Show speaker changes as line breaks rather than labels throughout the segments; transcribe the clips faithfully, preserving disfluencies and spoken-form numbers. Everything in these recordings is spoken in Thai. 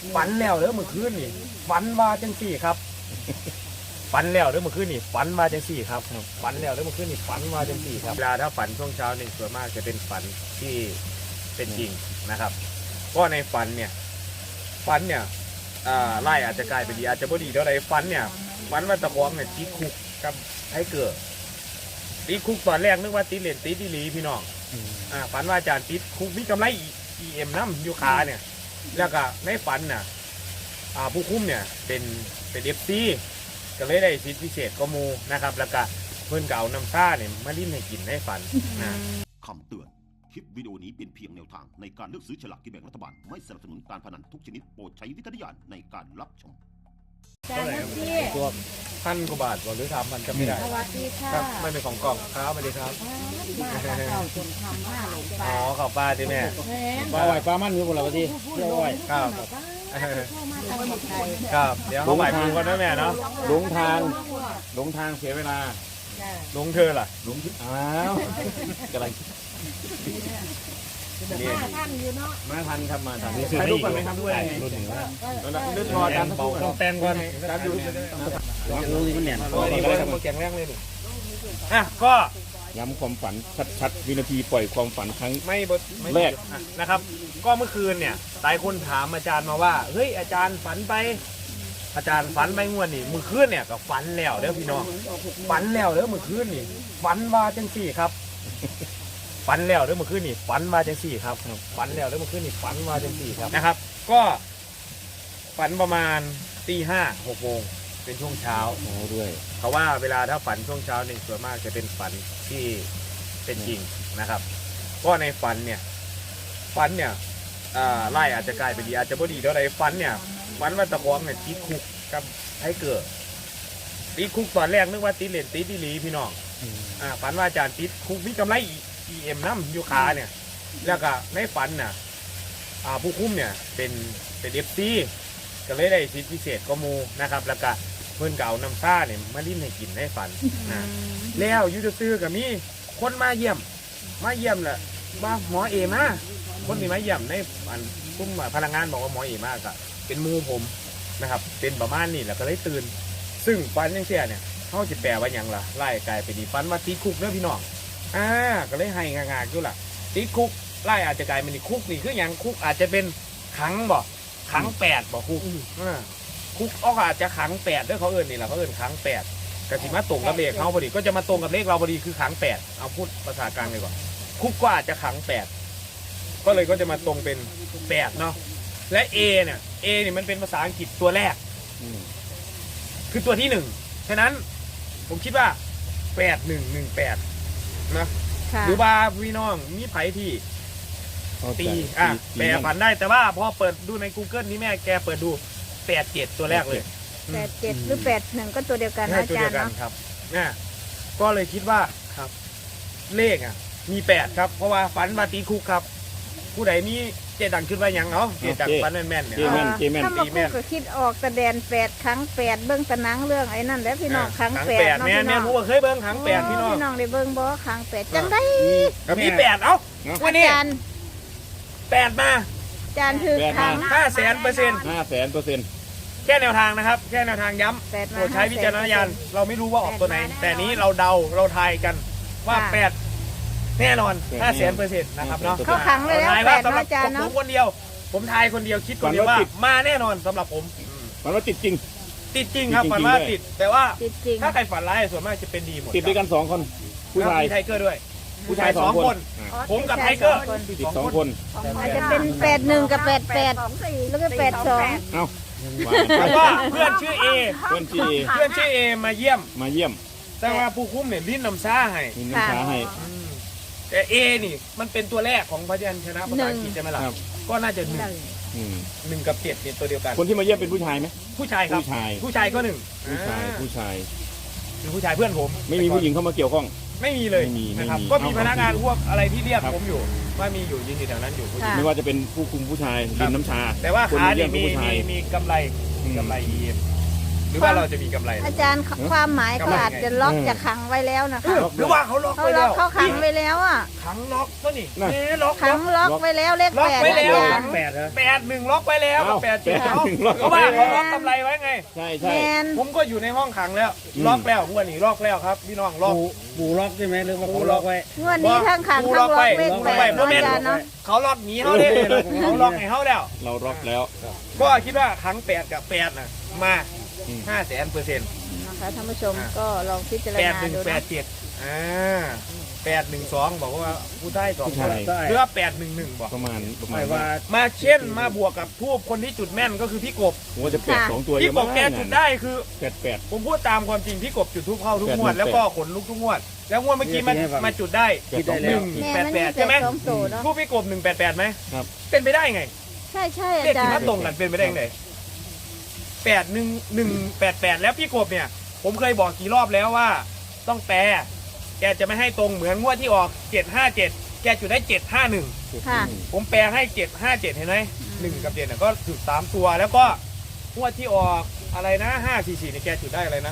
ฝันแล้วเด้อเมื่อคืนนี่ฝันว่าจังสี่ครับฝันแล้วเด้อเมื่อคืนนี่ฝันว่าจังสี่ครับฝันแล้วเด้อเมื่อคืนนี่ฝันว่าจังสี่ครับเวลาถ้าฝันช่วงเช้านี่ส่วนมากจะเป็นฝันที่เป็นจริงนะครับก็ในฝันเนี่ยฝันเนี่ยไล่อาจจะกลายเป็นดีอาจจะบ่ดีเท่าไรฝันเนี่ยฝันว่าตะกองเนี่ยติดคุกกับให้เกิดติดคุกตอนแรกนึกว่าติดเหรียญติดดีหลีพี่น้องอ่าฝันว่าอาจารย์ติดคุกมีกำไรอีเอ็มน้ำยูคาเนี่ยแล้วก็ในฝันน่ะอ่าผู้คุ้มเนี่ยเป็นเป็นเอฟซีก็เลยได้สิทธิพิเศษก็มูนะครับแล้วก็เพื่อนเก่าน้ำซ่าเนี่ยมาลิ้นให้กินให้ฝันนะ
คำเตือนคลิปวิดีโอนี้เป็นเพียงแนวทางในการเลือกซื้อฉลากกินแบ่งรัฐบาลไม่สนับสนุนการพนันทุกชนิดโปรดใช้วิจารณญาณในการรับชม
จ้านักพี่
ตัวพันกว่าบาทก่อนหรือทำมันจะไม่ได้
สวัสดีค่ะ
ครับไม่เป็นของกล่องครับสวัสดีครับ
มาเก่าจนทำมาหลงปลา
อ๋อขอบป้าที่แม่
ปลาไหวปลามันอยู่บนเราที่เที่ยวไหว
ครับครับเดี๋ยวเขาไหวปูกันด้วยแม่เนาะ
หลงทางหลงทางเสียเวลา
หลงเธอล่ะ
หลงอ้าวกำลัง
มาทันอยู่เนาะ
มาทันครับมาทัน
ใช้รูปกันไหมครับด้วย
รุ่นหนึ่งว่า
รุ่นรอการเบาต้องแตงก่อนการดู
รู้นี่มันเนี่ย
นี่เลยมาแกงแรกเลยหนึ่งอ่ะก็
ย้ำความฝันชัดๆวินาทีปล่อยความฝันครั้ง
ไม่แรกนะครับก็เมื่อคืนเนี่ยหลายคนถามอาจารย์มาว่าเฮ้ยอาจารย์ฝันไปอาจารย์ฝันไปงวดนี่เมื่อคืนเนี่ยก็ฝันแล้วเด้อพี่น้องฝันแล้วเด้อเมื่อคืนนี่ฝันว่าจังสี่ครับฝันแล้วเด้อเมื่อคืนนี่ฝันว่าจังสี่ครับฝันแล้วเด้อเมื่อคืนนี่ฝันว่าจังสี่ครับนะครับก็ฝันประมาณตีห้าหกโมงเป็นช่วงเช้า
โอ้ด้วย
เพราะว่าเวลาถ้าฝันช่วงเช้านี่ส่วนมากจะเป็นฝันที่เป็นจริงนะครับก็ในฝันเนี่ยฝันเนี่ยไล่อาจจะกลายเป็นดีอาจจะบ่ดีเท่าไรฝันเนี่ยฝันว่าตะกองเนี่ยติดคุกกับให้เกิดติดคุกตอนแรกนึกว่าติดเหรียญติดดีหลีพี่น้องอ่าฝันว่าอาจารย์ติดคุกมีกำไรอีเอ็มน้ำยูคาเนี่ยแล้วก็ในฝันน่ะอ่าผู้คุ้มเนี่ยเป็นเป็นเอฟซีก็เลยได้สิทธิพิเศษก็มูนะครับแล้วก็เพื่อนเก่าน้ำซ่าเนี่ยมาลิ้นให้กินให้ฝันนะแล้วยูทูบซื้อกับมีคนมาเยี่ยมมาเยี่ยมแหละว่าหมอเอมาคนที่มาเยี่ยมในอันคุ้มพลังงานบอกว่าหมอเอมากอะเป็นมูผมนะครับเป็นประมาณนี้แหละก็เลยตื่นซึ่งฝันยังเสียเนี่ยเขาจะแปลว่าอย่างล่ะไล่กลายไปดีฝันว่าติดคุกเด้อพี่น้องอ่าก็เลยให้งากๆอยู่ล่ะติดคุกไล่อาจจะกลายเป็นคุกนี่คืออย่างคุกอาจจะเป็นขังบ่ขังแปดบ่คุกอ่าคุกก็อาจจะขังแปดด้วยเขาเอิญนี่แหละเขาเอิญขังแปดกระสิมาตรงกับเลขเขาพอดีก็จะมาตรงกับเลขเราพอดีคือขังแปดเอาพูดภาษากลางเลยก่อนคุกก็อาจจะขังแปดก็เลยก็จะมาตรงเป็นแปดเนาะและ A เนี่ย A เนี่ยมันเป็นภาษาอังกฤษตัวแรกคือตัวที่หนึ่งฉะนั้นผมคิดว่าแปดหนึ่งหนึ่งแปดนะหรือว่าพี่น้องมีไผ่ที่ตีอ่ะแปลฝันได้แต่ว่าพอเปิดดูใน Google นี่แม่แกเปิดดูแปดเจ็ดตัวแรกเลย
แปดเจ็ดหรือแปดหนึ่งก็ตัวเดียวกันอาจารย์เนาะ
ครับเนี่ยก็เลยคิดว่าครับเลขอ่ะมีแปดครับเพราะว่าฝันมาตีคุกครับผู้ใดมีเจดังขึ้นว่ายังเนาะเจดังฝันแม่นๆเนี่ย
ถ้ามาคุกก็คิดออกแสดงแปดครั้งแปดเบิ้งตะนังเรื่องไอ้นั่นแล้วพี่น้องครั้งแปด
แม่แม่ผู้เคยเบิ้งครั้งแปดพี่น้อง
พี่น้องได้เบิ้งบ่ครั้งแปดจังได้
มีแปดเอ้าวันนี้แปดมา
จานคือครั้ง
ห้าแสนเปอร์เซ็นต์
ห้าแสนเปอร์เซ็นต์
แค่แนวทางนะครับแค่แนวทางย้ำโปรดใช้วิจารณญาณเราไม่รู้ว่าออกตัวไหนแต่นี้เราเดาเราทายกันว่าแปดแน่นอนห้าแสนเปอร์เซ็นต์นะครับเนาะ
เข้าขังเลยแล้วแปด
สำหรับผมคนเดียวผมทายคนเดียวคิดคนเดียวว่ามาแน่นอนสำหรับผม
ฝันว่าติดจริง
ติดจริงครับฝันว่าติดแต่ว่าถ้าใครฝันร้ายส่วนมากจะเป็นดีหมด
ติดด้วยกันสองคนผู้ชาย
ไทเกอร์ด้วยผู้ชายสองคนผมกับไทเกอร์
ติดสองคน
อาจจะเป็นแปดหนึ่งกับแปดแปดแล้วก็แปดสอง
เอ้า
แล้วก็เพื่อนชื่อเอ
เพื่อนชื่อเอ
เพื่อนชื่อเอมาเยี่ยม
มาเยี่ยม
แต่ว่าผู้คุ้มเนี่ยลิ้นน้ำซ่าให้
ลิ้นน้ำซ่าให้
แต่เอนี่มันเป็นตัวแรกของพยัญชนะภาษาอังกฤษใช่ไหมล่ะก็น่าจะหนึ่งหนึ่งกับเจ็ดเนี่ยตัวเดียวกัน
คนที่มาเยี่ยมเป็นผู้ชายไหม
ผู้ชายครับ
ผู้ชาย
ผู้ชายก็หนึ่ง
ผู้ชายผู้ชาย
เป็นผู้ชายเพื่อนผม
ไม่มีผู้หญิงเข้ามาเกี่ยวข้อง
ไม่มีเลยนะครับก็มีพนักงานพวกอะไรที่เรียกผมอยู่ว่ามีอยู่ยืนอยู่แถวนั้นอยู่
ไม่ว่าจะเป็นผู้คุมผู้ชายริมน้ำชา
แต่ว่าขาเนี่ยมีมีมีกำไรกำไร อี เอ็ม
ม
หรือว่าเราจะมีกำไร
อาจารย์ความหมายเขาอาจจะล็อกจะขังไว้แล้วนะคะ
หรือว่าเขาล็อก
เขา
ไป
ล็
แล้
อก
ว
เขาขังไว้แล้วอ่ะ
ขังล็อกก็นี่นี่ล็อก
ขังล็อกไว้แล้วเลข
ล็อก
แปด
ไว้แล้ว
อาจารย์
แปดเหรอ
แปดหนึ่งล็อกไว้แล้ว
เอ้า
แปดเจ็ด
แปด
เขา
หนึ่งล็อก
เพราะว่าเขาล็อกกำไรไว้ไง
ใช่
แม
ใช่
น
ผมก็อยู่ในห้องขังแล้ว ล็อกแล้วงวดนี้ล็อกแล้วครับพี่น้องล็อก
ปูปูล็อกใช่ไหมหรือว่าเขาล็อกไว้
งวดนี้ทั้งขังทั้งล็อกเลขแปด
ล็อกไว้
เนาะอาจารย์เนาะ
เขาล็อกหนีเขาเด้เขาล็อกให้เขาแล้ว
เราล็อกแล้ว
ก็คิดว่าครั้งแปดกับแปดน่ะมา
อืม
ห้าแสนเปอร์เซ็นต์
นะคะท่านผู้ชมก็ลองพิจาร
แปด
ณา
หนึ่ง
ดู
แป
นะ
ดเจ็ดอ่าแปดหนึ่งสองบอกว่าผู้ได้สอง
ผู้
คน
ชาย
หรือว่าแปดหนึ่งหนึ่งบอก
ประมาณประ
ห
มาณ
มายว่า
มาเช่นมาบวกกับทูบคนที่จุดแม่นก็คือพี่กบ
ผมว่าจะแปดสองตัว
พี่
เยอะ
ก
มา
บ
ก
แกจุดได้คือ
แปดแปด
ผมพูดตามความจริงพี่กบจุดทูบเข้าทุกงวด
แปดหนึ่ง
แล้วก็ขนลุกทุกงวด แล้วงวดเมื่อกี้มันมาจุดได้
คิดได้
ห
แล้
นึ่
ว
ง
แม่
แปด
มัน
แป
มี
ด
แต่
ใช่ไหม
สองตัวเนาะ
ทูบพี่กบหนึ่งแปดแปดไหม
ครับ
เป็นไปได้ไง
ใช่ใช่
เล
อา
ข
จา
ที่
ร
มา
ย์
ตรงกันเป็นไปได้ไงแปดหนึ่งหนึ่งแปดแปดแล้วพี่กบเนี่ย ผมเคยบอกกี่รอบแล้วว่า ต้องแปลแกจะไม่ให้ตรงเหมือนงวดที่ออกเจ็ดห้าเจ็ดแกจุดได้เจ็ดห้าหนึ่ง
ค่ะ
ผมแปลให้เจ็ดห้าเจ็ดเห็นไหมหนึ่งกับเจ็ดน่ะก็จุดสามตัวแล้วก็งวดที่ออกอะไรนะห้าสี่สี่เนี่ยแกจุดได้อะไรนะ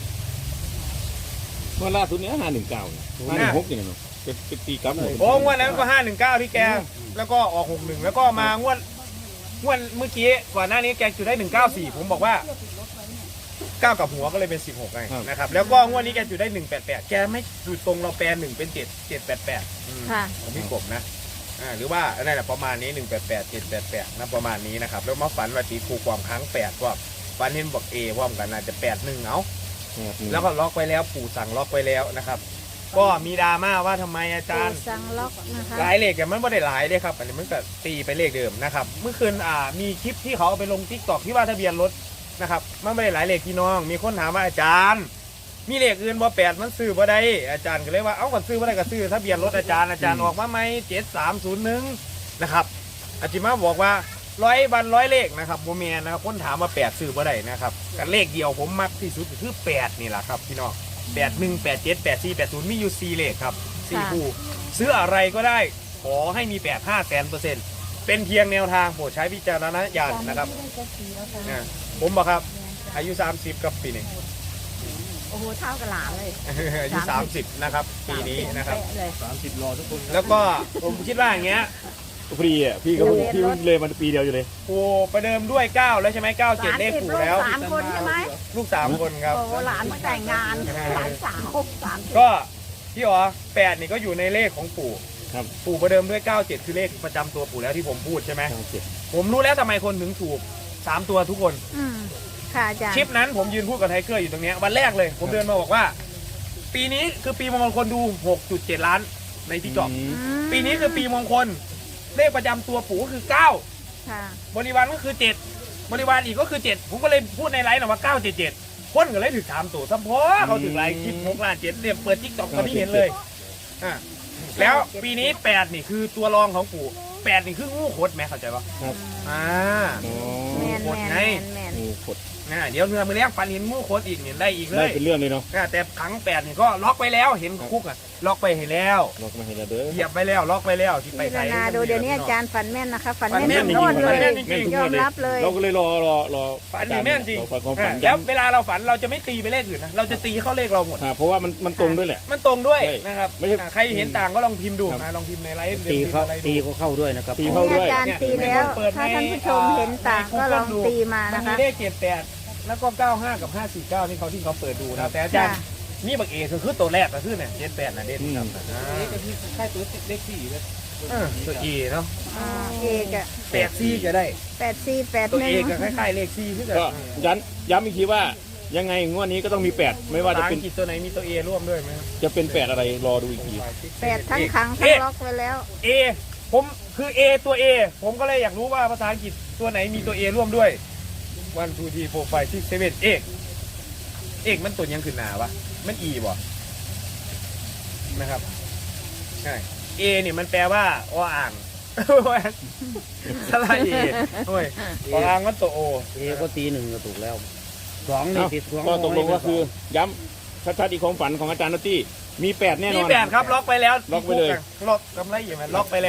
เมื่อล่าสุดเนี้ยห้าหนึ่งเก้าห้าหนึ่งหกอย่างเงี้ยเนาะเป็นเป็นตีกลับหมด
โอ้งวดนั้นก็ห้าหนึ่งเก้าที่แก แล้วก็ออกหกหนึ่งแล้วก็มางวดงวดเมื่อกี้ก่อนหน้านี้แกจุดได้หนึ่งเก้าสี่ผมบอกว่าเก้ากับหัวก็เลยเป็นสิบหกไงนะครับแล้วก็งวดนี้แกจุดได้หนึ่งแปดแปดแกไม่จุดตรงเราแปลหนึ่งเป็นเจ็ดเจ็ดแปดแปด
ค่ะ
ของพี่กบนะอ่าหรือว่านั่นแหละประมาณนี้หนึ่งแปดแปดเจ็ดแปดแปดนะประมาณนี้นะครับแล้วมาฝันว่าตีครูความครั้งแปดว่าฝันเห็นบอกเอพร้อมกันอาจจะแปดหนึ่งเอา แล้วก็ล็อกไว้แล้วปู่สั่งล็อกไว้แล้วนะครับ ก็มีดราม่าว่าทำไมอาจารย์
สั่งล็อกนะคะ
หลายเลขแต่มันไม่ได้หลายเลยครับอันนี้มันก็ตีไปเลขเดิมนะครับเมื่อคืนอ่ามีคลิปที่เขาเอาไปลงทิกตอกที่ว่าทะเบียนรถนะครับมันไม่ได้หลายเลขพี่น้อง มีคนถามว่าอาจารย์ มีเลขอื่นบ่แปดมันซื้อบ่ได้อาจารย์ก็เลยว่าเอ้าก็ซื้อบ่ได้ก็ซื้อทะเบียนรถอาจารย์อาจารย์ออกมาไหมเจ็ดสามศูนย์หนึ่งนะครับอาจิมาบอกว่าร้อยบันร้อยเลขนะครับโมเมนนะครับคนถามว่าแปดซื้อบ่ได้นะครับกันเลขเดียวผมมักที่สุดก็คือแปดนี่แหละครับพี่น้องแปดหนึ่งแปดเจ็ดแปดสี่แปดศูนย์มีอยู่สี่เลขครับสี่คู่ซื้ออะไรก็ได้ขอให้มีแปดห้าแสนเปอร์เซ็นต์เป็นเพียงแนวทางโปรดใช้วิจารณญาณนะครับอ่าผมบอกครับอายุสามสิบกับปีนี้
โอ้โหเท่ากับหลานเลย
อายุสามสิบนะครับปีนี้นะครับ
เป๊เลย
สามสิบรอทุกคน
แล้วก็ผมคิดว่าอย่างเงี้ย
ฟรีอ่ะพี่ก็พี่เลยมันปีเดียวอยู่เลย
ปูประเดิมด้วยเก้าแล้วใช่ไหมเก้าเจ็ดเลขปูแล้ว
สามคนใช่ไหม
ลูกสามคนครับ
โอ้หลานมาแต่งงานหลานสาวสาม
ก็พี่อ๋อแปดนี่ก็อยู่ในเลขของปู่
ครับ
ปู่ประเดิมด้วยเก้าเจ็ดคือเลขประจำตัวปู่แล้วที่ผมพูดใช่ไหม
เก้าเจ็ด
ผมรู้แล้วทำไมคนถึงถูกสามตัวทุกคน
อืมค่ะอาจารย์
คลิปนั้นผมยืนพูดกับไทเกอร์อยู่ตรงเนี้ยวันแรกเลย ผมเดินมาบอกว่า ปีนี้คือปีมงคลคนดู หกจุดเจ็ด ล้านในทิกตอก
อืม
ปีนี้คือปีมงคลเลขประจำตัวปู่ก็คือเก้า
ค่ะ
บริวารก็คือเจ็ดบริวารอีกก็คือเจ็ดผมก็เลยพูดในไลฟ์นะว่าเก้าเจ็ดเจ็ดคนก็เลยถึงสามตัวสัมพอเขาถึงไลฟ์คลิปหกล้านเจ็ดเรียบเปิดทิกตอกตอนนี้เห็นเลยอ่ะแล้วปีนี้แปดนี่คือตัวรองของปู่แปดนี่คืองูขดไหมเข้าใจปะ
ครับ
อ่า
อ๋อ
แมน
หมด
แมน
ไง
แมนแมน
งูขด
อ่าเดี๋ยวเนื้อมือแรกฟันเห็นงูขดอีกเนี่ยได้อีกเล
ได้
ย
เป็นเรื่องเลยเนาะ
อ่าแต่ครั้งแปดนี่ก็ล็อกไปแล้วเห็นคุกอ่ะล็อกไปเห็นแล้ว
ล็อกมาให้เราเด้อ
เหยียบไปแล้วล็อกไปแล้วที่ไป
พิ
ไท
จาร
ย
ณาดูเดี๋ยวนี้อาจารย์ฝันแม่นนะคะฝัน
ฝัน
แม่น
แม่น
ทุกงวดเลย
ฝันแม่นจริง
ยอมรับเลย
เราก็เลยรอรอรอ
ฝันนี่แม่นจริง
เราฝันความฝัน
อ่าแล้ว
ย้ำ
เวลาเราฝันเราจะไม่ตีไปเลขอื่นนะเราจะตีเข้าเลขเราหมด
อ่าเพราะว่ามันมันตรงด้วยแหละ
มันตรงด้วย
ใช่
นะครับ
ไม่ใช่
อ่าใครเห็นต่างก็ลองพิมพ์ดู
ครับ
นะลองพิมพ์ในไลฟ์
ตีเขา
อะไรดู
ตีเขาเข้าด้วยนะครับ
ตีเข้า
นี่อาจารย์ตีแล้ว ถ้าท่านผู้ชมเห็นต่างก็ลองตีมา
มั
นะ
นมี
คะ
เลขเจ็ดแปดแล้วก็เก้าห้ากับห้าสี่เก้านี่เขาที่เขาเปิดดูนะแต่อาจารย์
ค่ะ
นี่บักเอคือคือตัวแรกก็คือเนี่ยเจ็ดแปดนะเด่นครับ
อืม
อ่า
ก็ที่ค่ายตัวเลขสี่เลย
เออตัวเอเนาะ
อ่าเอกอะ
แปดซี่ก็ได้
แปดสี่แปด
ตัว
หนึ่
เอง ก็คล้ายๆเลขซี่คือกัน
ก็ย้ำย้ำอีกทีว่ายังไงงวดนี้ก็ต้องมีแปดไม่ว่า
ภา
จะ
ษา
เป็
อั
น
งกฤษตัวไหนมีตัวเอร่วมด้วยไหมครับ
จะเป็นแปดอะไรรอดูอีกที
แปดทั้งขังทั้งล็อกไว้แล้ว
เอผมคือ A ตัว A ผมก็เลยอยากรู้ว่าภาษาอังกฤษตัวไหนมีตัว A ร่วมด้วย one two three four five six seven เอกเอกมันตัวยังขึ้นหนาวะมัน E บ่นะครับใช่ A เนี่ยมันแปลว่าออ่าง สลาย A โอ้ยออ่างมันตัว O
เอก็ตีหนึ่งก็ถูกแล้วสองนี่
เอ้า
ติดสอง
ก็ตกลงก็คือย้ำชัดๆอีกความฝันของอาจารย์นตตี้มีแปดแน่น
มี
อน
แปดครับล็อกไปแล้ว
ล็อกไปเลย
ล็อกกำไรอย่างไรล็อกไปแล้ว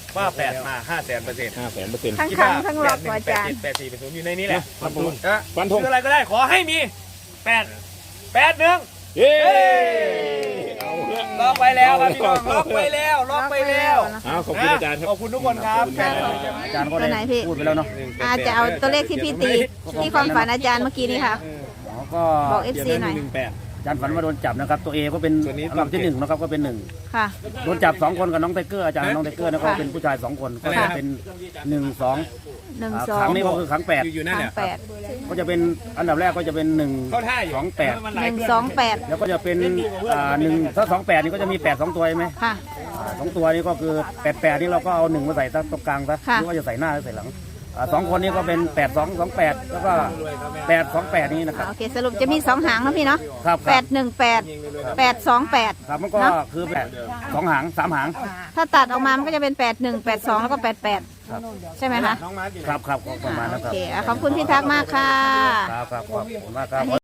ว่าแปดมาห้าแสนเปอร์เซ็นต์
ห้าแสนเปอร์เซ็นต์
ทั้งครั้งทั้งรอบอาจารย์
แปดสี่เป็นศูนย์อยู่ในนี้แหละ
ฟันธง
นะ
ฟันธง
คืออะไรก็ได้ขอให้มีแปดแปดหนึ่ง
เย้เอาเรื่อง
ล็อกไปแล้วครับพี่น้องล็อกไปแล้วล็อกไปแล้ว
เอาขอบคุณอาจารย์ครับ
ขอบคุณทุกคนครับ
ครับ
อาจารย์ก็
ตัวไหนพี่
พูดไปแล้วเนาะ
อาจจะเอาตัวเลขที่พี่ตีที่ความฝันอาจารย์เมื่อกี้นี้ค่ะ
อ๋อก็
บอก เอฟ ซี หน่อย
อาจารย์ฝันว่าโดนจับนะครับ ตัวเอก็เป็นอันดับที่หนึ่งนะครับก็เป็นหนึ่ง
ค่ะ
โดนจับสองคนกับน้องไทเกอร์อาจารย์น้องไทเกอร์นะก็เป็นผู้ชายสองคนก็จะเป็นหนึ่งสอง
หนึ่ง
อ่า
สอ
ครั้
ง
งนี้ก็คือครั้งแปด
อยู่นั่น
ค
แห
รั้
ละ
งแปด
ก็จะเป็นอันดับแรกก็จะเป็นหนึ่ง
เข้าท่าอยู่
สองแปด
หนึ่งสองแปด
แล้วก็จะเป็นอ่าหนึ่งถ้าสองแปดนี่ก็จะมีแปดสองตัวใช่ไหม
ค่ะ
อ่าสองตัวนี้ก็คือแปดแปดนี่เราก็เอาหนึ่งมาใส่ตรงกลางซะ
ค่ะ
หรือว่าจะใส่หน้าหรือใส่หลังอ่าสองคนนี้ก็เป็นแปดสองสองแปดแล้วก็แปดสองแปดนี้นะครับ
โอเคสรุปจะมีสองหางนะพี่เนาะ
ครับค
แป
รับ
ดหนึ่งแปดแปดสองแปด
ครับมันก็
เนอะ
คือแปดสองหางสามหาง
ถ้าตัดออกมามันก็จะเป็นแปดหนึ่งแปดสองแล้วก็แปดแปด
ครับ
ใช่ไหมคะ
น้องมาร์คอยู่ไหน
ครับครับก็ประมาณ
โอ
นั้นครับ
เคอ่ะขอบคุณพี่ทักษ์มากค่ะ
ครับครับขอบคุณมากครับ